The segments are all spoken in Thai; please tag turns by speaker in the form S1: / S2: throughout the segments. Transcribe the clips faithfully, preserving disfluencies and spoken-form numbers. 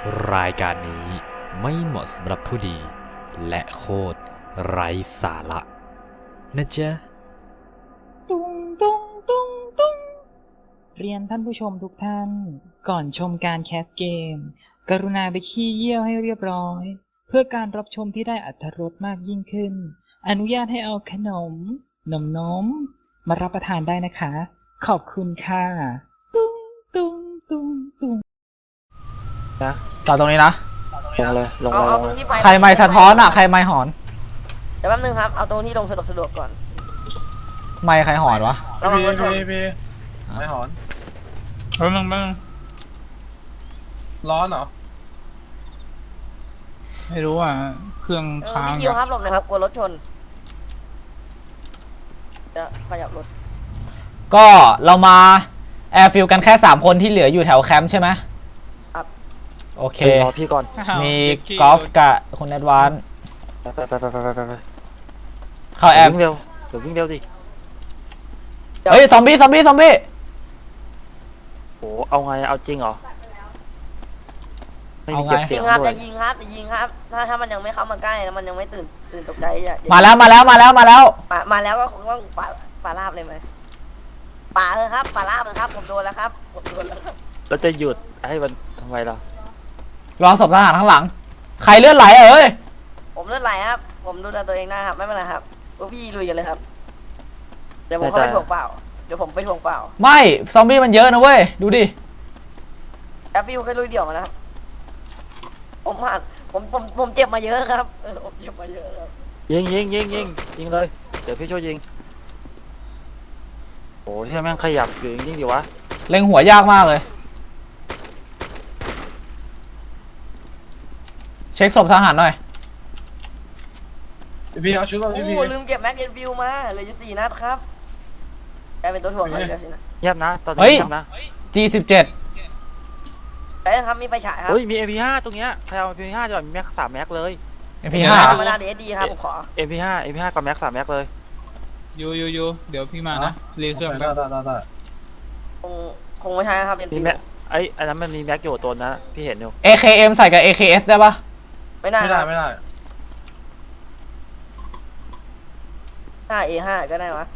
S1: รายการนี้ไม่เหมาะสำหรับผู้ดีและโคตรไร้สาระนะจ๊ะ
S2: ตุ้งตุ้งตุ้งตุ้งเรียนท่านผู้ชมทุกท่าน ก่อนชมการแคสเกม กรุณาไปขี้เยี่ยวให้เรียบร้อย เพื่อการรับชมที่ได้อรรถรสมากยิ่งขึ้น อนุญาตให้เอาขนม นมนมมารับประทานได้นะคะ ขอบคุณค่ะ ตุ้งตุ้งตุ้งตุ้ง
S3: นะ
S4: ต่อตรงนี้นะ
S3: ลงเลยลง
S5: เอา
S3: เลยล
S5: เอา
S3: ง
S5: ตร
S3: เล
S5: ง
S3: ย
S5: ที่ไฟ
S4: ใครไม่สะท้อนอ่ะ ใครไม่หอน
S5: เดี๋ยวแป๊บนึงครับเอาตรงที่ลงสะดวกสะดวกก่อน
S4: ไม่ใครหอนวะ
S5: ระวังรถชน
S6: พี่พี่ไม่หอน
S2: แป๊บนึงแป๊บนึง
S6: ร้อนเหรอ
S2: ไม่รู้อ่ะ เครื่อง
S5: เออ
S2: ค้าง
S5: พี่คิวครับหลบหนะครับกลัวรถชนจะขยับรถ
S4: ก็เรามาแอร์ฟิลกันแค่สามคนที่เหลืออยู่แถวแคมป์ใช่ไหม
S5: ครับ
S4: โอเค
S3: รอพี่ก่อน
S4: มีกอล์ฟกับคุณแอดวานซ์
S3: ไปไปไปไปไปไปไป
S4: เข้าแอ
S3: เดี๋ยว
S4: ร์
S3: วิ่งเร็วเดี๋ยววิ่งเร็วดิ
S4: เฮ้ย ซอมบี้ ซอมบี้ ซอมบี้
S3: โหเอาไงเอาจริงเหรอไม่มี
S4: เอาไง
S3: เก็บเสี
S5: ยิ
S3: ยง
S5: งครับ
S3: ด้ว
S5: จะ
S3: ย
S5: ยิงครับจะยิงครับ ถ้าถ้ามันยังไม่เข้ามาใกล้แล้วมันยังไม่ตื่นตื่นตกใจอย่าอย่
S4: มาแล้ว มาแล้ว มาแล้ว มาแล้ว
S5: มามาแล้วก็คงต้องป่าป่าราบเลยไหมป่าเออครับป่าราบเลยครับผมโดนแล้วครับผมโดนแล้วครับ
S3: แล้วจะหยุดให้มันทำไมล่ะ
S4: รองศพทหารข้างหลัง ใครเลือดไหลเอ้ย
S5: ผมเลือดไหลครับ ผมดูแลตัวเองได้ครับไม่เป็นไรครับพวกพี่ลุยกันเลยครับเดี๋ยวผมเข้าไปถ่วงเปล่าเดี๋ยวผมไปถ่วงเปล่า
S4: ไม่ ซอมบี้มันเยอะนะเว้ย ดูดิ
S5: แอปฟิวเคยลุยเดี่ยวมาแล้วครับผมผ่านผมผมผมเจ็บมาเยอะครับเออผมเจ็บมาเยอะครับ
S3: ยิงยิงยิงยิงยิงเลยเดี๋ยวพี่ช่วยยิงโอ้ที่แม่งขยับอยู่ยิงดิวะ
S4: เล็งหัวยากมากเลย เช็คศพทหารหน่อย
S6: พี่พี่เอาชุดมา
S5: โอ้
S6: พี่
S5: โห
S6: พี่
S5: ลืมเก็บแม็กเอ็นฟิวมาเหลืออยู่สี่นัดครับกลายเป็นตัวถ่วงเลยเดียวสินะ
S3: เงียบนะตอน
S4: เฮ้
S3: นี้
S4: ย
S3: เงียบนะ
S4: จี สิบเจ็ด
S5: ไอ้ครับมีไฟฉายครับ
S3: เฮ้ยมี เอ็ม พี ห้า ตรงเนี้ยใครเอา เอ็ม พี ห้า จะแบบมีแม็กสามแม็กเลย
S4: เอ็ม พี ห้า
S5: ธรรมดาเดสดีครับผมขอ
S3: เอ็ม พี ห้า เอ็ม พี ห้า กับแม็กสามแม็กเลย
S2: ยูยูยูเดี๋ยวพี่มานะรีเครื่อง
S6: ได้ได้ได้ได้
S5: คงคงไม่ใช่ครับเอ็น
S3: มี
S5: ฟิว
S3: แม็กไอ้อันนั้นมันมีแม็กอยู่ตัวนะพี่เห็นอยู่
S4: เอ เค เอ็ม ใส่กับ เอ เค เอส ได้ปะ
S5: ไม่ได้
S6: ไม่
S5: ค
S6: ได้
S5: รับ
S6: ไม่ได้
S5: ห้าเอห้าก็ได้วะ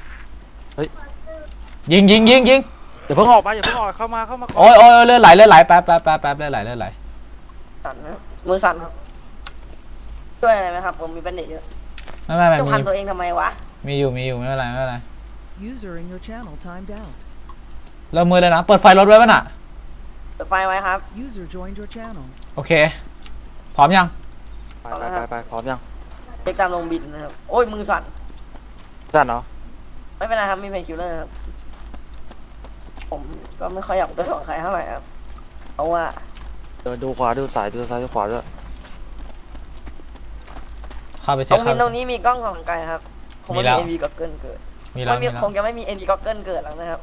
S4: ยิงยิงยิงยิง
S3: อย่าเพิ่งออกไปอย่าเพิ่งออกเข้ามาเข้ามาก่อน
S4: โอ้ยโอ้ยเลือดไหลเลือดไหลแป๊บแป๊บแป๊บแป๊บเลือดไหลเลือดไหล
S5: สั่นนะมือสั่นครับช่วยอะไรไหมครับผมมีแบนเดจเยอะ
S4: ไม่ไม่ไม่
S5: จะ
S4: มี
S5: พันตัวเองทำไมวะ
S4: มีอยู่มีอยู่ไม่เป็นไรไม่เป็นไร
S7: User in your channel timed out.
S4: เริ่มมือเลยนะ เปิดไฟรถไว้ป่ะน่ะ
S5: เปิดไฟไว้ครับ
S7: User joined your channel.
S4: โอเค พร้อมยัง
S3: ไปไปไปไปพร้อมยัง
S5: เช็คตามลงบินนะครับโอ้ยมือสั่น
S3: สั่นเนาะ
S5: ไม่เป็นไรครับมีเพนคิลเลอร์ครับผมก็ไม่ค่อยอยากตัวของใครเท่าไหร่ครับเพราะว่า
S3: เดินดูขวาดูซ้ายดูซ้ายดูขวาด้วย
S4: เข้าไป
S5: ต
S4: เช็
S5: ร
S4: ค
S5: ง
S4: ค
S5: บิ
S4: รั
S5: น
S4: บ
S5: ตรงนี้มีกล้องส่องไกลครับคงไม่
S4: มีแล้
S5: มี
S4: ว
S5: เอ็นวีก็เกินเกิด
S4: มีแล้ว
S5: ไม่มี
S4: มีแล้ว
S5: คงจะไม่มีเอ็นวีก็เกินเกิดแล้วนะครับ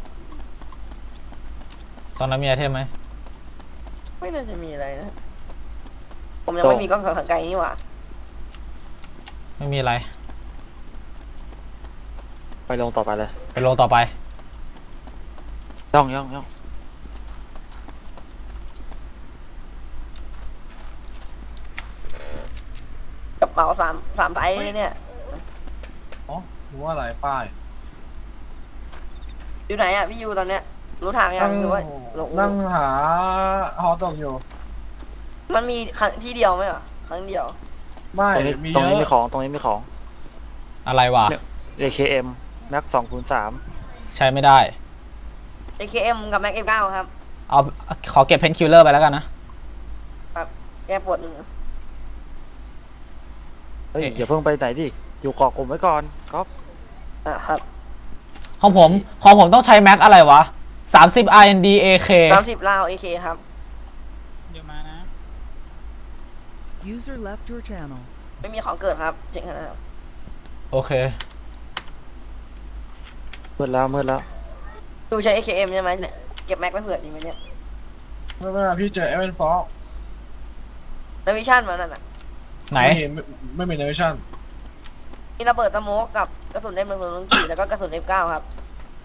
S4: ตอนนั้นมีไอเทมไหม
S5: ไม่น่าจะมีอะไรนะผมยังไม่มีกล้องส่องไกลนี่หว่า
S4: ไม่มีอะไร
S3: ไปลงต่อไปเลย
S4: ไปโลต่อไป
S3: ย่องย่องย่อง
S5: กระเป๋าสามสามใบเลยเนี่ย
S6: อ๋อรู้ว่าอะไรป้าย
S5: อยู่ไหนอ่ะพี่ยูตอนเนี้ยรู้ทางยั
S6: นั่
S5: ง
S6: ง
S5: หรือว่าหลง
S6: นั่งหาฮอตกอยู่
S5: มันมีครั้งที่เดียวไหมเหรอครั้งเดียว
S6: ไม่
S3: ตรงนี้
S6: มี
S3: ตรง
S6: เย
S3: นี้มี
S6: อะ
S3: ของตรงนี้มีของ
S4: อะไรวะ
S3: เอ เค เอ็ม แม็กสองคูณสาม
S4: ใช้ไม่ได้
S5: เอ เค เอ็ม กับ แม็ก เอฟ เก้า ครับ
S4: เอาขอเก็บเพนคิลเลอร์ไปแล้วกันนะ
S5: แก้ปวดหนึ่ง
S3: เฮ้ย
S4: เอ๊ะ
S3: อย่าเพิ่งไปไหนดิอยู่เกาะกลุ่มไว้ก่อนก๊อฟ
S5: อ่ะครับ
S4: ของผม ของผมต้องใช้แม็กอะไรวะ สามสิบ อาร์ เอ็น ดี เอ เค
S5: สามสิบลาว เอ เค ครับ
S2: เดี๋ยวมานะ
S7: User left your channel.
S5: ไม่มีของเกิดครับเจ๋งขนาดนั้นครับ
S4: โอเค
S3: มืดแล้วมืดแล้ว
S5: ดูใช้ เอ เค เอ็ม ใช่ไหมเนี่ยเก็บแม็กไว้เผื่อดีไหมเนี่ย
S6: ไม่เป็นไรพี่เจอเอเวนฟอร์
S5: นาวิชั่นมานั่นน่ะ
S4: ไหน
S6: ไม่เห็นไม่ไม่มีเนวิชั่น
S5: มีระเบิดสโมกกับกระสุน เอ็ม หนึ่ง ศูนย์ หนึ่ง สี่ แล้วก็กระสุน เอฟ เก้า ครับ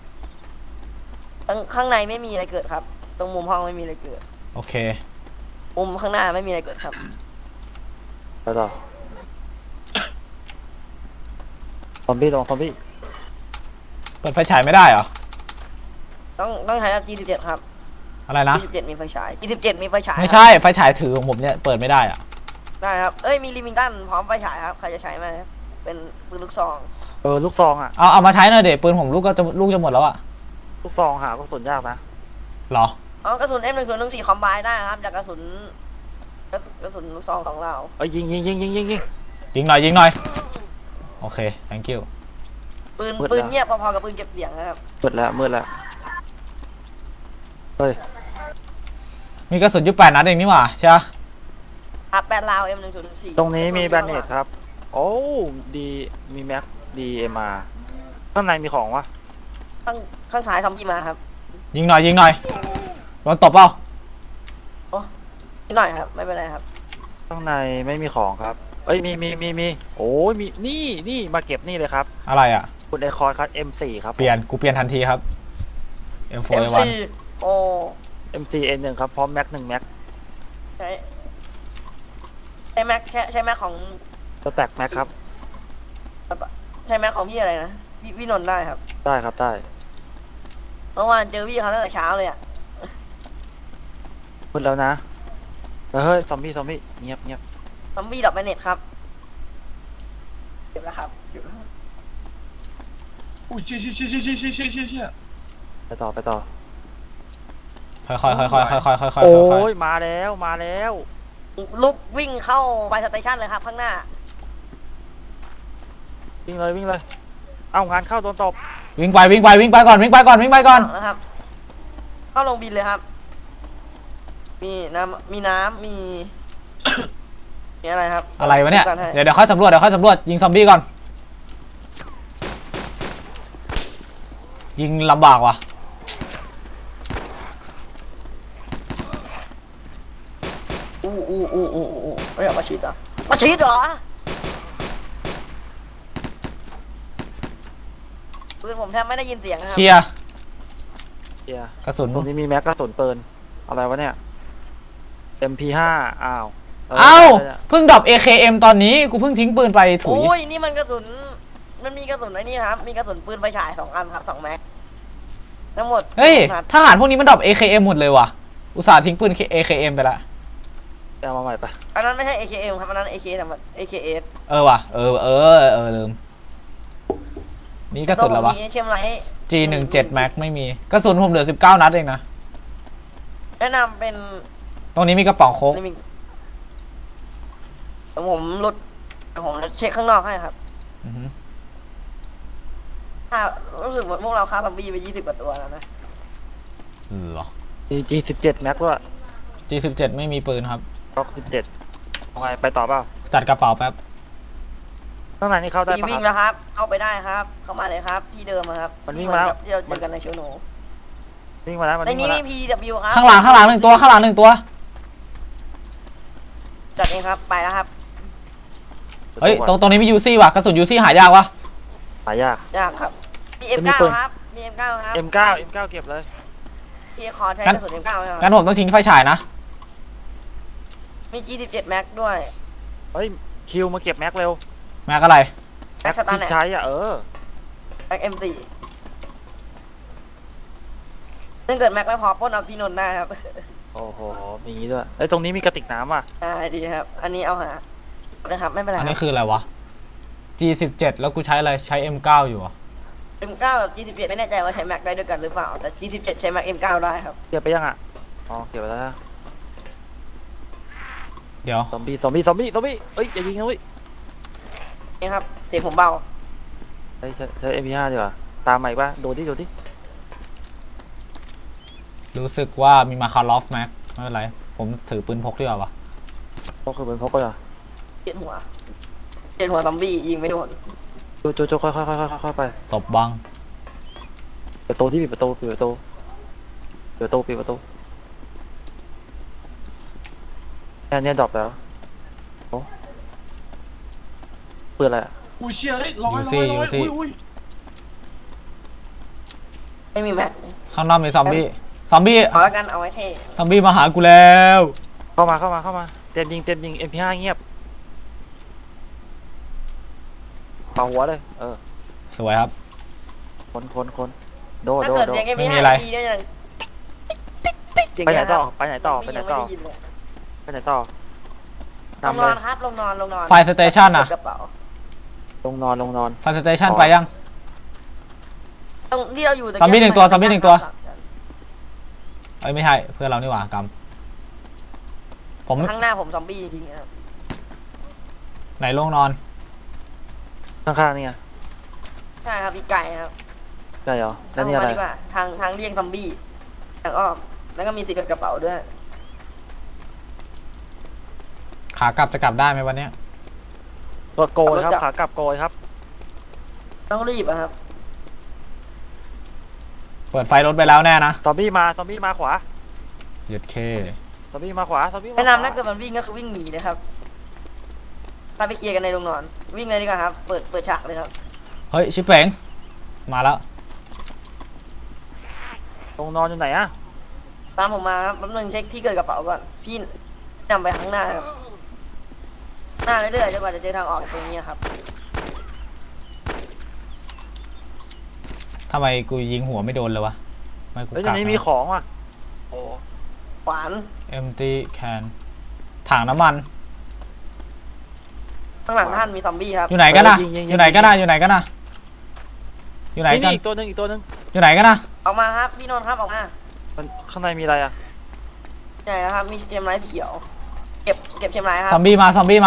S5: ข้างข้างในไม่มีอะไรเกิดครับ ตรงมุมห้องไม่มีอะไรเกิด
S4: โอเค
S5: มุมข้างหน้าไม่มีอะไรเกิดครับ
S3: ไปต่อซอมบี้ลงซอมบี้
S4: เปิดไฟฉายไม่ได้เหรอ
S5: ต้องต้องใช้ จี สิบเจ็ด ครับ
S4: อะไรนะ
S5: จี สิบเจ็ด มีไฟฉาย จี สิบเจ็ด มีไฟฉาย
S4: ไม่
S5: ครับ
S4: ใช่ไฟฉายถือของผมเนี่ยเปิดไม่ได้อะ
S5: ได้ครับ เอ้ย มีลิมิงตันพร้อมไฟฉายครับ ใครจะใช้ไหมครับเป็นปืนลูกซอง
S3: เออลูกซองอ่ะ
S4: เอาเอามาใช้หน่อยเด็ปืนผมลูกก็จะลูกจะหมดแล้วอะ
S3: ลูกซองหากระสุนยากนะ
S4: เหรอ
S5: อ๋อกระสุน เอ็ม หนึ่งศูนย์หนึ่งสี่ คอมไบได้ครับ จากกระสุนกระกระสุนลูกซองของเรา
S3: เอ้ยยิงยิงยิงยิงยิงยิง
S4: ยิงหน่อยยิงหน่อยโอเค thank you
S5: ปืน
S3: มืดแล้ว
S5: ปืนเงียบพอๆกับปืนเก็บเสียงนะครับ
S3: มืดแล้วมืดแล้วเฮ้ย
S4: มีกระสุนอยู่แปดนัดเองนี่หว่าใช่ปะ
S5: ครับแปดลาว เอ็ม หนึ่งศูนย์หนึ่งสี่
S3: ตรงนี้มีแบนเนตครับ โอ้ดีมีแม็กดีเอ็มอาร์ข้างในมีของวะ
S5: ข้างข้างซ้ายซอมบี้มาครับ
S4: ยิงหน่อยยิงหน่อยโดนตบเปล่า
S5: นิดหน่อยครับ ไม่เป็นไรครับ
S3: ข้างในไม่มีของครับ เอ้ยมีมีมีมีโอ้ยมีนี่นี่มาเก็บนี่เลยครับ
S4: อะไรอะ
S3: คุณไอคอนครับ เอ็ม โฟร์ ครับ
S4: เปลี่ยนกูเปลี่ยนทันทีครับ เอ็ม โฟร์
S5: เอ็ม
S4: เอ วัน
S5: ซี โอ้
S3: เอ็ม ซี เอ็น หนึ่ง ครับพร้อมแม็กหนึ่งแม็ก
S5: ใช้ใช้แม็กใช้ใช้แม็กของ
S3: สแต็กแม็กครับ
S5: ใช้แม็กของพี่อะไรนะพี่พี่นนท์ได้ครับ
S3: ได้ครับได้
S5: เมื่อวานเจอพี่เขาตั้งแต่เช้าเลยอ่ะ
S3: มืดแล้วนะเฮ้ยซอมบี้ซอมบี้เงียบเงียบ
S5: ซอมบี้ดับแมนเน็ตครับเก็บแล้วครับเก็บแล้ว
S6: อุ้ยเชี่ยเชี่ยเชี่ยเชี่ยเชี่ยเชี่ยเชี่ยเชี่ยเชี่ย
S3: ไปต่อไปต่อ
S4: ค่อยๆค่อยๆค่อยๆค่อยๆค่อยๆค่อยๆค่อย
S3: โอ้
S4: ๆค่อย
S3: ยมาแล้วมาแล้ว
S5: ลุกวิ่งเข้าไปสเตชันเลยครับ ข้างหน้า
S3: วิ่งเลยวิ่งเลย เอางานเข้าโดนตบ
S4: ๆวิ่งไปวิ่งไปวิ่งไปก่อนวิ่งไปก่อนวิ่งไปก่อน
S5: นะครับ เข้าลงบินเลยครับ มีน้ำมีน้ำมี มีอะไรครับ
S4: อะไรวะเนี่ย
S5: ดูกัให้
S4: เดี๋ยวเดี๋ยวค่อยสำรวจเดี๋ยวค่อยสำรวจยิงซอมบี้ก่อนยิงลำบากว่ะ
S5: อู้อู้อู้อู้อู้ไม่อยากมาชีดเหรอมาชีดเหรอปืนผมแทบไม่ได้ยินเสียงนะครับ
S4: เคลียร์
S3: เฮีย
S4: กระสุน
S3: ตรงนี้มีแม็กกระสุนปืนอะไรวะเนี่ย เอ็ม พี ไฟว์ อ้าว
S4: เอ้า
S3: ได้แล้ว
S4: เพิ่งดรอป เอ เค เอ็ม ตอนนี้กูเพิ่งทิ้งปืนไปถุย
S5: โอ้ยนี่มันกระสุน มันมีกระสุนไอ้นี่ครับ มีกระสุนปืนไฟฉายสองอันครับสองแม็กทั้งหมด
S4: เฮ้ย
S5: สองนัด
S4: ทหารพวกนี้มันดรอป เอ เค เอ็ม หมดเลยว่ะอุตส่าห์ทิ้งปืน เอ เค เอ็ม ไปละ
S3: เอามาใหม่ไป
S5: อันนั้นไม่ใช่ เอ เค เอ็ม ครับอันนั้น เอ เค ธรรมดา เอ เค เอส
S4: เออว่ะเออเออเออลืมนี่กระสุนแล้ววะ
S5: มีเชมไลท์
S4: จี สิบเจ็ด Max ไม่มีกระสุนผมเหลือสิบเก้านัดเองนะ
S5: แนะนำเป็น
S4: ตรงนี้มีกระป๋องโค้ก
S5: นี่มีเดี๋ยวผมลดเดี๋ยวผมเช็คข้างนอกให้ครับ
S4: อือหือ
S5: ถ้ารู้สึกว่าพวกเราฆ่าซอมบี้ไปยี่สิบกว่าตัวแล้วนะ
S4: เหรอ
S3: จี สิบเจ็ด แม็กด้วย
S4: จี สิบเจ็ด ไม่มีปืนครับ
S3: ล็อกสิบเจ็ดเอาไงไปต่อเปล่า
S4: จัดกระเป๋าแป๊บ
S3: ข้างในนี่เข้าได้
S5: มี
S3: ปะ
S5: วิ่ง
S3: ครับ
S5: แล้วครับ เข้าไปได้ครับ เข้ามาเลยครับ ที่เดิมอะครับ
S3: มันวิ่งมาแล้ว
S5: ที่เหอนกับที่เราเจอกันในโชว์โน
S3: วิ่งมาแล้วมัน
S5: ใน
S3: วิ่ง
S5: นี้
S3: มา
S5: มี
S3: แล้ว
S5: พี ดี ดับเบิลยู ครับ
S4: ข้างหลังข้างหลังหนึ่งตัวข้างหลังหนึ่งตัว
S5: จัดเองครับ ไปแล้วครับ
S4: เฮ้ยตรงตรงนี้มียูซี่ว่ะกระสุนยูซี่หายากวะ
S3: หายาก
S5: ยากครับ มี
S3: จะมี
S5: เอ็ม เก้า
S3: ปืน
S5: ครับ มี เอ็ม เก้า ครับ
S3: เอ็ม เก้า เอ็ม เก้า เก็บเลย
S5: พี่ขอใช้
S4: งั้น
S5: กระสุน เอ็ม เก้า ไหมครับ
S4: งั้นผมต้องทิ้งไฟฉายนะ
S5: มี จี สิบเจ็ด แม็กด้วย
S3: เฮ้ยคิวมาเก็บแม็กเร็ว
S4: แม็กอะไร
S5: แม็กสตาร์
S3: ที่
S5: แน็
S3: ใช้อ่ะเออ
S5: แม็ก เอ็ม โฟร์ ถ้าเกิดแม็กไม่พอปล้นเอาพี่นนท์ได้ครับ
S3: โอ้โหมีอย่างงี้ด้วยเอ้ยตรงนี้มีกระติกน้ำว่ะ
S5: ได้ดีครับ อันนี้เอาหานะครับ ไม่เป็นไร
S4: อัน
S5: ค
S4: นี้
S5: รับ
S4: คืออะไรวะ จี สิบเจ็ด แล้วกูใช้อะไรใช้ เอ็ม เก้า อยู่อ่ะ
S5: เอ็ม เก้า กับ จี สิบเจ็ด ไม่แน่ใจว่าใช้แม็กได้ด้วยกันหรือเปล่า แต่ จี สิบเจ็ด ใช้แม็ก เอ็ม เก้า ได้ครับ
S3: เก็บไปยังอ่ะอ๋อเก็บไปแล้วนะ
S4: เดี๋ยว
S3: ซอมบี้ซอมบี้ซอมบี้ซอมบี้เอ้ยอย่ายิงนะเว้ย
S5: นี่ครับ เสียงผมเบา
S3: ใช้ใช้ใช้ เอ็ม พี ไฟว์ ดีกว่าตามใหม่ป่ะโดดดิโดดดิ
S4: รู้สึกว่ามีมาคาร์ลอฟแม็กไม่เป็นไร ผมถือปืนพกดีกว่าวะ
S3: พกคือเป็นพกก็เหรอ
S5: เจ็ดหัวเจ็ดหัวซอมบี้ยิงไม่โดน
S3: โจโจโจค่อยค่อยค่อยค่อยค่อยไป
S4: ศพบัง
S3: ประตูที่ปิดประตูปิดประตูปิดประตูปิดประตูเนี่ยเนี่ยดรอปแล้วโอ้เปิดอะไรอะ
S6: อุ้ยเชี่ยเฮ้ยร้อย
S4: ยู
S6: ร้
S4: ซี่
S6: อยร้อย
S4: ยูซี่
S6: อุ้ยอุ้ย
S5: ไม่มีแม็ก
S4: ข้างนอกมีซอมบี้ ซอมบี้
S5: เอาแล้วกันเอาไว้เท่
S4: ซอมบี้มาหากูแล้ว
S3: เข้ามาเข้ามาเข้ามาเต็มยิงเต็มยิง เอ็ม พี ห้า เงียบเป่าหัวเลยเออ
S4: สวยครับ
S3: คนคนคนโด
S5: ถ้า
S3: โด
S5: เกิด
S3: โด
S5: เสียงเอ็ม
S4: ไม่
S5: พี
S4: มี
S5: ห้า
S4: อะไร
S5: ดีเนี่ยยัง
S3: ไปไหนต่อไปไหนต่อไปไหนต่อ
S5: ยังม่ด้ยินเลย
S3: ไปไหนต่อ
S5: ลง
S3: นำ
S5: น
S3: เล
S5: อน
S3: ย
S5: ครับลงนอนลงนอน
S4: ไฟสเตชันอะ
S5: กระเป๋า
S3: ลงนอนลงนอน
S4: ไฟสเตชันไปยัง
S5: ตรงที่เราอยู่ตะ
S4: ซอมบี้หนึ่งตัวซอมบี้หนึ่งตัว
S5: ครับ
S4: เอ้ยไม่ใช่เพื่อนเรานี่หว่ากำผม
S5: ข้างหน้าผมซอมบี้จริงๆนะครับ
S4: ไหนลงนอน
S3: ข้างๆนี่ไง
S5: ใช่ครับพี่ไก่ครับ
S3: ได้เหรอแล้
S5: เอา
S3: วนี่อะไร
S5: มาดีกว่าทางทางเลี่ยงซอมบี้ทางอ้อมแล้วก็มีสิทธิ์กับกระเป๋าด้วย
S4: ขากลับจะกลับได้ไหมวันเนี้ย
S3: รถโกยครับขากลับโกยครับ
S5: ต้องรีบอะครับ
S4: เปิดไฟรถไปแล้วแน่นะ
S3: ซอมบี้มาซอมบี้มาขวา
S4: หยุดเค
S3: ซอมบี้มาขวาซอมบี้มาขวา
S5: แนะนำถ้าเกิดมันวิ่งก็คือวิ่งหนีนะครับถ้าไปเคลียร์กันในโรงนอน วิ่งเลยดีกว่าครับ เปิดเปิดฉากเลยครับ
S4: เฮ้ยชิปเป๋งมาแล้ว
S3: ลงนอนอยู่ไหนอะ
S5: ตามผมมาครับแป๊บนึงเช็คที่เกิดกระเป๋าก่อน พี่นำไปข้างหน้าครับหน้าเรื่อยๆจนกว่าจะเจอทางออกจากตรงนี้ครับ
S4: ทำไมกูยิงหัวไม่โดนเลยวะไม่กู
S3: เฮ้ยต
S4: กั
S3: รง
S4: ก
S3: นี้มีของว่ะโอ้
S5: ขวาน
S4: เอ็มตีแคนถังน้ำมัน
S5: ข้างหลังท่านมีซอมบี้ครับ
S4: อยู่ไหนกันนะอยู่ไหนกันนะอยู่ไหนกันนะอยู่ไหน
S3: นี่
S4: กัน
S3: นี่อีกตัวหนึงอีกตัวหนึง
S4: อยู่ไหนกันนะ
S5: ออกมาครับ พี่นนท์ครับออกมา
S3: มันข้างในมีอะไรอะ
S5: ใช่ครับ มีเทียมไม้เขียว เก็บเก็บเทียมไม้ครั
S4: ซอบ มบี้มาซอมบี้มา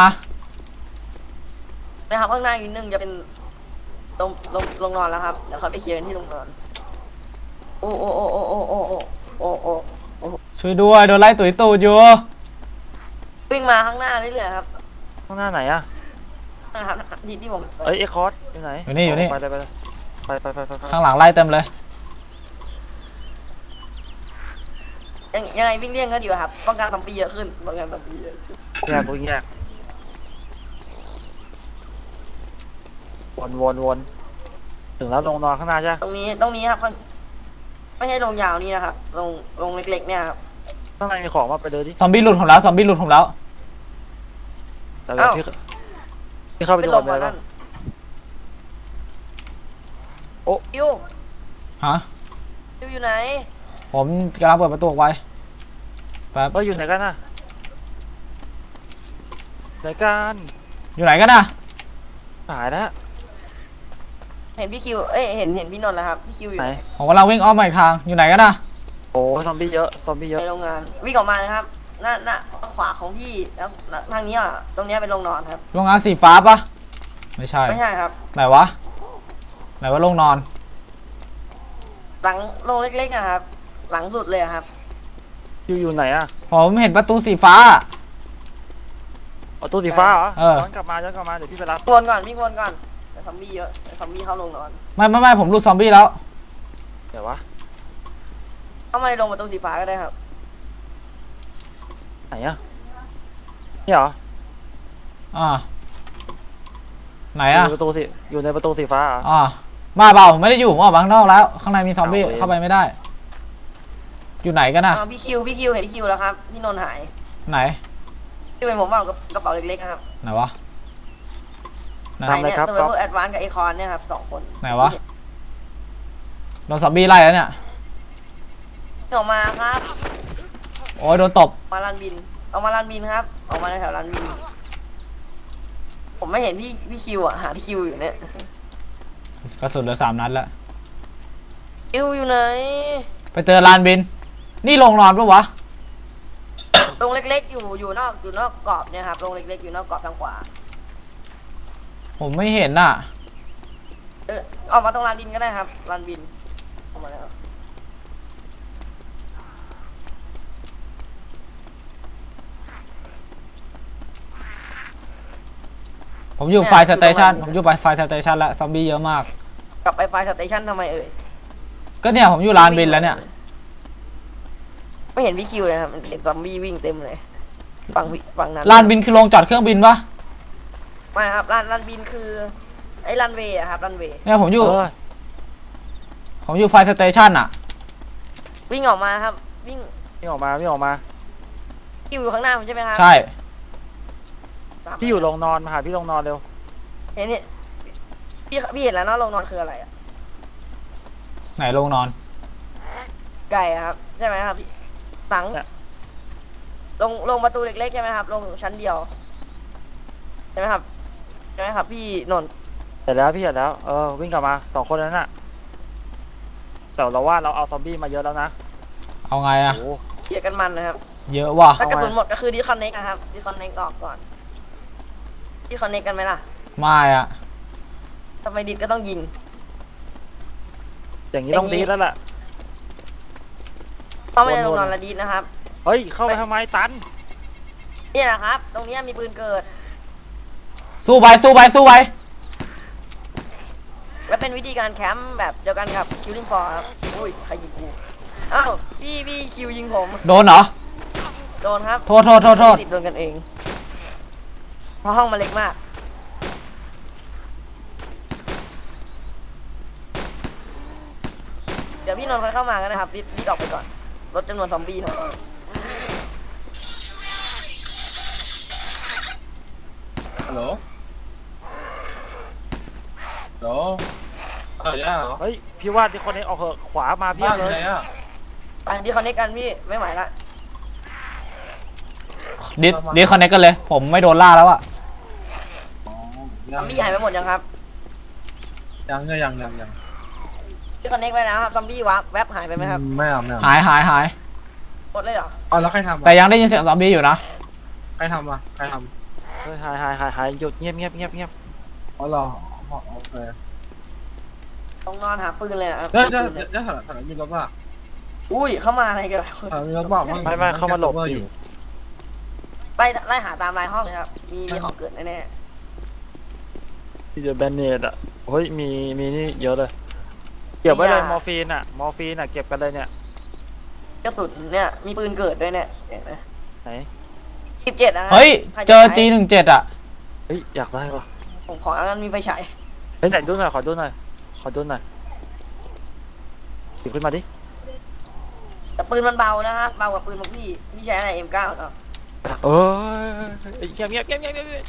S5: นะครับข้างหน้าอีกนิดนึงจะเป็นลงลงลงนอนแล้วครับเดี๋ยวเขาไปเคลียร์กันที่ลงนอน โอ้โอ้โอ้โอ้โอ้โอ้โอ้โอ้โอ้โอ้
S4: ช่วยด้วยโดนไล่ตุ๋ยตูดอยู่
S5: วิ่งมาข้างหน้าเรื่อยๆครับ
S3: ข้างหน้าไหนอะ
S5: นะครับที่ที่ผม
S3: เอ้ยเอ็กคอร์ดอยู่ไหน
S4: อยู่นี่อยู่นี่
S3: ไปเลยไปเลยไปไปไปไปไป
S4: ข้างหลังไล่เต็มเลย
S5: ยังยังไงวิ่งเลี่ยงก็ดีกว่าครับป้องกันซอมบี้เยอะขึ้นป้องกันซอมบี้เยอะขึ้น
S3: แยกกูแยกวนวนวนถึงแล้วลงนอนข้างหน้าใช่ไหม
S5: ตรงนี้ตรงนี้ครับมันไม่ใช่ลงยาวนี่นะครับ ลงลงเล็กๆเนี่ยครับ
S3: ข้างในมีของมาไปเดินดิ
S4: ซอมบี้หลุดผมแล้วซอมบี้หลุดผมแล้ว
S3: แต่เดี๋ยวพี่พี่เข้าไป
S5: เป็น
S3: ดู
S5: ล
S3: ก่อ
S5: ม
S3: นเล
S5: มาย นั่
S3: ป่ะ
S5: น
S3: โอ้
S5: คิว
S4: ฮะ
S5: คิวอยู่ไหน
S4: ผมกำลังเปิดประตูออกไปแป๊บ
S3: เฮ้ยอยู่ไหนกันน่ะไหนกัน
S4: อยู่ไหนกันนะ
S3: หายแล้ว
S5: เห็นพี่คิวเอ้ยเห็นเห็นพี่นนท์แล้วครับพี่คิวอยู่
S3: ไหน
S4: ผมกำลังวิ่งอ้อมมาอีกทางอยู่ไหนกันนะ
S3: โอ้ซอมบี้เยอะซอมบี้เยอะ
S5: ในโรงงานวิ่งออกมาเลยครับหน้าหน้าขวาของพี่แล้วทางนี้อ่ะตรงเนี้ยเป็นโรงนอนครับ
S4: โรงงานสีฟ้าปะไม่ใช่
S5: ไม่ใช่ครับ
S4: ไหนวะไหนว่าโรงนอน
S5: หลังโรงเล็กๆนะครับ หลังสุดเลยอะครับ
S3: อยู่อยู่ไหนอะ
S4: ผมเห็นประตูสีฟ้า
S3: เอาตู้สีฟ้าเหรอ
S4: เออ
S3: ย้อนกลับมาย้อนกลับมาเดี๋ยวพี่ไปรับ
S5: วนก่อนวิ่งวนก่อนแต่ซอมบี้เยอะแต่ซอมบี้เข้าโรงนอน
S4: ไม่ไม่ไม่ผมหลุดซอมบี้แล้ว
S3: เดี๋ยววะ
S5: เข้ามาในโรงประตูสีฟ้าก็ได้ครับ
S3: ไหนอะนี่เหรอ
S4: อ่าไหน
S3: อยู่
S4: อ่ะ
S3: ในประตูสีอยู่ในประตูสีฟ้าเหรอ
S4: อ่ามาเปล่าผมไม่ได้อยู่ผมออกมาข้างนอกแล้ว ข้างในมีซอมบี้
S3: เอาเว้ย
S4: เข้าไปไม่ได้ อยู่ไหนกันนะ
S5: อ่าพี่คิวพี่คิวเห็นพี่คิวแล้วครับพี่นนท์หาย
S4: ไหน
S5: พี่เป็นผมเอากับกระเป๋าเล็กๆนะครับ
S4: ไหนวะไหน
S5: หายเนี่ยตัวเวอร์แอดวานซ์กับไอคอนเนี่ยครับสองคน
S4: ไหนวะ โดนซอมบี้ไล่แล้วเนี่ย
S5: ออกมาครับ
S4: โอ้ยโดนตบ
S5: มาลานบินออกมาลานบินครับ ออกมาในแถวลานบิน ผมไม่เห็นพี่พี่คิวอ่ะหาพี่คิวอยู่เนี่ย
S4: กระสุนเหลือสามนัดแล้ว
S5: คิวอยู่ไหน
S4: ไปเจอลานบิน นี่โรงนอนปะวะ
S5: โรงเล็กๆอยู่อยู่นอกอยู่นอกกรอบเนี่ยครับโรงเล็กๆอยู่นอกกรอบทางขวา
S4: ผมไม่เห็นน่ะ
S5: เออออกมาตรงลานบินก็ได้ครับลานบินออกมาแล้ว
S4: ผมอยู่ไฟสเตชันผมอยู่ไปไฟสเตชันแล้วซอมบี้เยอะมาก
S5: กลับไปไฟสเตชันทำไมเอ่ย
S4: ก็เนี่ยผมอยู่ลานบินแล้วเนี่ย
S5: ไม่เห็นพี่คิวเลยครับเห็นซอมบี้วิ่งเต็มเลยฝั่งวิฝั่งนั้น
S4: ลานบินคือโรงจอดเครื่องบินปะ
S5: ไม่ครับลานลานบินคือไอ้รันเวย์อะครับรันเวย์
S4: เนี่ยผมอยู่
S3: เออ
S4: ผมอยู่ไฟสเตชันอะ
S5: วิ่งออกมาครับ วิ่ง
S3: วิ่งออกมาวิ่งออกมา
S5: พี่อยู่ข้างหน้าผมใช่ไหมครับ
S4: ใช่
S5: ตามไป
S3: พี่อยู่โรงนอนมาหาพี่โรงนอนเร็ว
S5: เห็นนี่พี่พี่เห็นแล้วเนาะโรงนอนคืออะไรอะ
S4: ไหนลงนอน
S5: ไก่อะครับใช่ไหมครับพี่หลังลงลงประตูเล็กๆใช่ไหมครับลงชั้นเดียวใช่ไหมครับใช่ไหมครับ พี่นนท์
S3: เสร็จแล้วพี่เสร็จแล้วเออวิ่งกลับมาสองคนนั้นน่ะแต่เราว่าเราเอาซอมบี้มาเยอะแล้วนะ
S4: เอาไงอะ
S3: โอ้
S5: เกียร์กันมันนะครับ
S4: เยอะว่ะ
S5: ถ้ากระสุนหมดก็คือดิคอนเนคครับดิคอนเนคออกก่อนดิคอนเนคกันไหมล่ะ
S4: ไม่อะ
S5: ทำไมดิดก็ต้องยิง
S3: อย่างนี้ต้องดีแล้วล่ะ
S5: เข้าไม่ได้ลงนอนละดีดนะครับ
S3: เฮ้ยเข้าไปทำไมตัน
S5: นี่แหละครับ ตรงเนี้ยมีปืนเกิด
S4: สู้ไปสู้ไปสู้ไป
S5: และเป็นวิธีการแคมป์แบบเดียวกันกับ Killing Floor ครับอุ้ยใครยิงกูอ้าวพี่พี่คิวยิงผม
S4: โดนเหรอ
S5: โดนครับ
S4: โทษโทษโทษโทษ
S5: ติดโดนกันเองเพราะห้องมันเล็กมาก เดี๋ยวพี่นนท์ค่อยเข้ามากันนะครับรีบรีบออกไปก่อนลดจำนวนซอมบี้หน่อย
S6: ฮัลโหลฮัลโหลเออย่าเหรอ
S3: เฮ้ยพี่ว่าที่คนนี้ออกเหอะขวามาเพีย
S6: บ้า
S3: บ
S6: นอ
S3: เล
S6: ยู่
S3: ย
S6: ไหนอ่ะ
S5: อันที่คอนเนคกันพี่ไม่ไหวละ
S4: ดิสดิสคอนเนคกันเลย ผมไม่โดนล่าแล้วอะ
S6: อ๋อ
S5: ซ
S6: ยั
S5: อง มบี้หายไปหมดยังครับ
S6: ยังยังยังยังยัง
S5: ที่คอนเนคไปแล้วครับซอมบี้วับแวบหายไปไหมครับ
S6: ไม่เอาไม่เอา
S4: หายหายหาย
S5: หมดเลยเหรอ
S6: อ๋อแล้วใครทำ
S4: แต่
S6: อ่ะ
S4: ยังได้ยินเสียงซอมบี้อยู่นะ
S6: ใครทำอ่ะใครท
S3: เฮ้ยหายหายหายหายหยุดเงียบเงียบเงียบเงียบ
S6: ำอ๋อเหรออ๋อโอเค
S5: ต้องนอนหาปืนเลยอะครับ
S6: เดี๋ยวเดี๋ยว
S5: ปืนเลย
S6: เดี๋ยวถนนถนนมีรถป่ะ
S5: อุ้ยเข้ามาอะไรกัน
S6: ถนนมีรถป่ะ
S3: ไม่ไม่เข้ามาหลบ
S6: อ
S3: อยู่
S6: ยู่
S5: ไปไล่หาตามรายห้องเลยครับ มีมีของเกิดแน่
S3: ที่จะแบนเนตอ่ะเฮ้ยมีมีนี่เยอะเลยเก็บไว้เลยมอร์ฟีนอ่ะมอร์ฟีนอ่ะเก็บกันเลยเนี่ย
S5: ๆกระสุนเนี่ยมีปืนเกิดด้วยเนี่ยเห็นไหม
S3: ไหน
S5: สิบเจ็ดนะครั
S4: เฮ้ย
S5: ใคระ
S4: เจอ
S5: ใช้
S4: จีหนึ่งเจ็ดอะ
S3: เฮ้ยอยากได้ปะ
S5: ผมขออันนั้นมีไฟฉาย
S3: เฮ้ยไหนดูหน่อยขอดูหน่อยขอดูหน่อยหยิบขึ้นมาดิ
S5: แต่ปืนมันเบานะฮะเบากว่าปืนของพี่พี่ใช้อะไร เอ็ม เก้า เนาะ
S3: เออเงียบเงียบเงียบเงียบเงียบ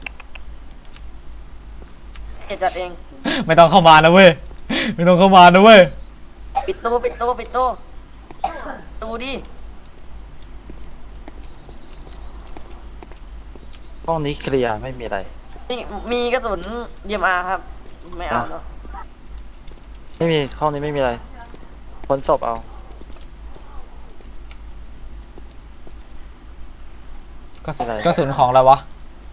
S5: เจ็ดจัดเอง
S4: ไม่ต้องเข้ามานะเว้ย ไม่ต้องเข้ามานะเว้ย
S5: ปิดตู้ปิดตู้ปิดตู้ตู้ดิ
S3: ห้องนี้เคลียร์ไม่มีอะไร
S5: นี่มีกระสุน ดี เอ็ม อาร์ ครับ ไม่เอาเนาะ
S3: ไม่มีห้องนี้ไม่มีอะไรคนศพเอา
S4: กระสุน
S3: อะไร
S4: กระสุนของอะไรวะ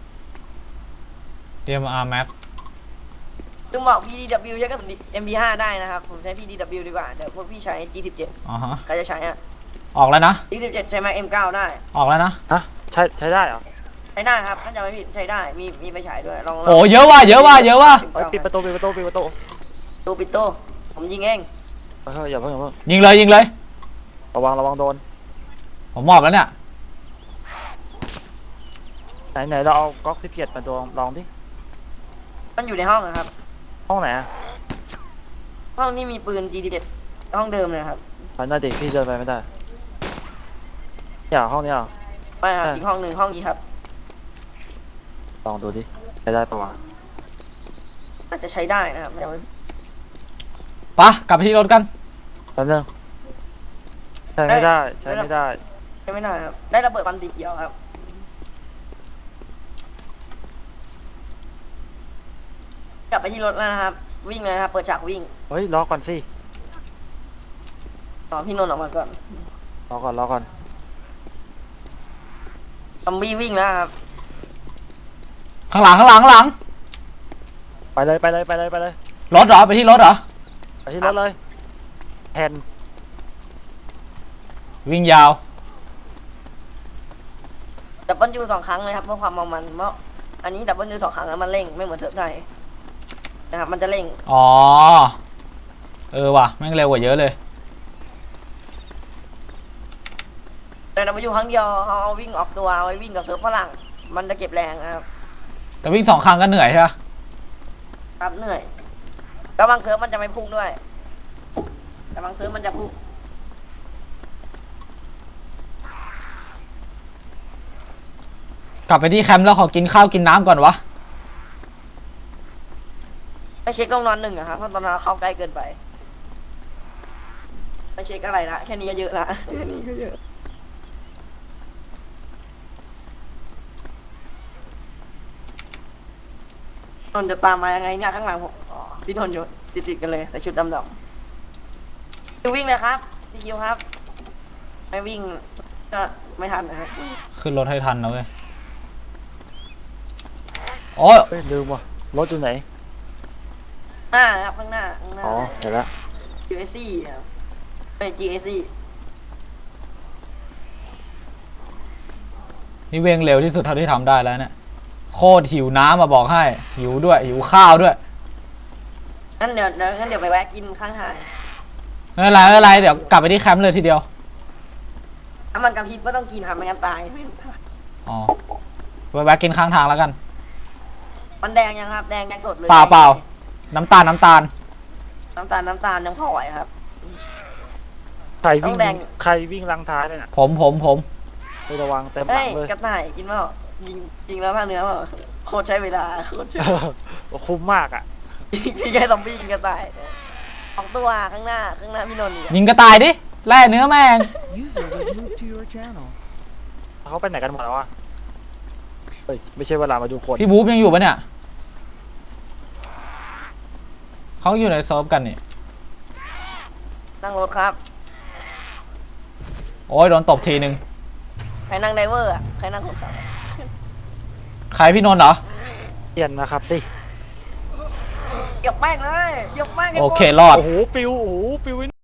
S4: ดี เอ็ม อาร์ Max
S5: ซึ่งบอก พี ดี ดับเบิลยู ใช้กระสุน เอ็ม พี ห้า ได้นะครับ ผมใช้ พี ดี ดับเบิลยู ดีกว่า เดี๋ยวพวกพี่ใช้ จี สิบเจ็ด
S4: อ๋อฮะ
S5: ใครจะใช้อะ
S4: ออกแล้วนะ
S5: จี สิบเจ็ด ใช้ Mac เอ็ม เก้า ได้
S4: ออกแล้วนะ
S3: ฮะใช้ใช้ได้เหรอ
S5: ใช้ได้ครับถ้าจำไม่ผิดใช้ได้ มีมีไปฉายด้วย ลองลง
S4: โอ้เยอะว่ะเยอะว่ะเยอะว่ะ
S3: เฮ้ยปิดประตูปิดประตูปิดประตู
S5: ตู้ปิดตู้ผมยิงเอง
S3: เฮ้ยอย่าเพิ่งอย่าเพิ่ง
S4: ยิงเลยยิงเลย
S3: ระวังระวังโดน
S4: ผมมอบแล้วเนี่ย
S3: ไหนไหนเราเอาก๊อกสิบเจ็ดมาดวงลองดิ
S5: มันอยู่ในห้องนะครับ
S3: ห้องไหนอะ
S5: ห้องนี้มีปืน จี สิบเจ็ด ห้องเดิมเลยครับ
S3: พันหน้าเด็กพี่เดินไปไม่ได้อย่าห้องนี้เหรอ
S5: ไม่ครับ
S3: อ่ะ
S5: อีกห้องหนึ่งห้องนี้ครับ
S3: ลองดูดิใช้ได้ปะวะ
S5: อาจจะใช้ได้นะครับยังไม่
S4: ปะกลับไปที่รถกัน
S3: แป๊บนึงใช้ไม่ได้ใช้ไม่ได้
S5: ใช้ไม่ได้ครับ ได้ระเบิดควันสีเขียวครับ กลับไปที่รถแล้วนะครับ วิ่งเลยนะครับ เปิดฉากวิ่ง
S3: เฮ้ยรอก่อนสิ
S5: ตอนพี่นนท์ออกมาก่อน
S3: รอก่อนรอก่อน
S5: ซอมบี้วิ่งแล้วครับ
S4: ข้างหลังข้างหลังข้างหลัง
S3: ไปเลยไปเลยไปเลยไปเลย
S4: รถเหรอ ไปที่รถเหรอ
S3: ไปที่รถเลยแทน
S4: วิ่งยาว
S5: ดับเบิลยูสองครั้งเลยครับเพื่อความเมามันเพราะอันนี้ดับเบิลยูสองครั้งแล้วมันเร่งไม่เหมือนเทิร์ฟไทยนะครับ มันจะเร่ง
S4: อ๋อ เออว่ะ แม่งเร็วกว่าเยอะเลย
S5: แต่ดับเบิลยูครั้งเดียวเอาเอาวิ่งออกตัวเอาไว้วิ่งกับเซิร์ฟฝรั่งมันจะเก็บแรงนะครับ
S4: แต่วิ่งสองครั้งก็เหนื่อยใช่ปะ
S5: ครับเหนื่อยแล้วบางเซิร์ฟมันจะไม่พุ่งด้วย แต่บางเซิร์ฟมันจะพุ่ง
S4: กลับไปที่แคมป์แล้วขอกินข้าวกินน้ำก่อนวะ
S5: ไปเช็คลงนอนหนึ่งอะครับเพราะตอนนั้นเราเข้าใกล้เกินไปไปเช็คอะไรละแค่นี้ก็เยอะละแค่นี้ก็เยอะนนท์จะตามมายังไงเนี่ยข้างหลังผมอ๋อพี่นนท์อยู่ติดๆกันเลยใส่ชุดดำๆคิววิ่งเลยครับพี่คิวครับไม่วิ่งก็ไม่ทันนะฮะ
S4: ขึ้นรถให้ทันนะเว้ยโอ้ย
S3: เฮ้ยลืมว่ะรถอยู่ไหน
S5: หน้าครับข้างหน้าข้างหน้า
S3: อ๋อเห็นแล้ว
S5: จี เอส ซี ครับเป็น จี เอส ซี
S4: นี่เวงเร็วที่สุดเท่าที่ทำได้แล้วเนี่ยโคตรหิวน้ำมาบอกให้ หิวด้วยหิวข้าวด้วย
S5: งั้นเดี๋ยวเดี๋ยวงั้นเดี๋ยวไปแวะกินข้างทาง
S4: ไม่เป็นไรไม่เป็นไรเดี๋ยวกลับไปที่แคมป์เลยทีเดียว
S5: ถ้ามันกระพริบก็ต้องกินครับไม่งั้นตาย
S4: อ๋อไปแวะกินข้างทางแล้วกัน
S5: มันแดงยังครับ แดงยังสดเลย
S4: เปล่าเปล่าน้ำตาลน้ำตาล
S5: น้ำตาลน้ำตาลยังพอไหวครับ
S3: ใครวิ่
S5: ต้
S3: ง
S5: องแดง
S3: ใครวิ่งลังท้ายเลยน่ะ
S4: ผมผมผม
S3: ไประวังเต็มหลั
S5: เฮ้ย
S3: งเลย
S5: กระต่ายกินเปล่ายิงยิงแล้วผ้าเนื้อเปล่าโคตรใช้เวลาโคตรใช้
S3: โอ้คุ้มมากอ่ะ
S5: พี่แค่ซอมบี้กินกระต่ายสองตัวข้างหน้าข้างหน้าพี่นนท์อีกอะ
S4: ยิงกระต่ายดิแล่เนื้อแม่ง
S7: User was moved to your channel.
S3: เขาไปไหนกันหมดแล้ววะเฮ้ยไม่ใช่เวลามาดูคน
S4: พี่บู๊บยังอยู่ปะเนี่ยเขาอยู่ในเซิร์ฟกันนี่
S5: นั่งรถครับ
S4: โอ้ยโดนตบทีนึง
S5: ใครนั่งไดเวอร์อะใครนั่งคนขับอะ
S4: ใครพี่นนท์เหรอ
S3: เปลี่ยนนะครับสิ
S5: เหยียบแม่งเลยเหยียบแม่งให้หมด
S4: โอเครอด
S3: โอ้โหปิวโอ้โหปิว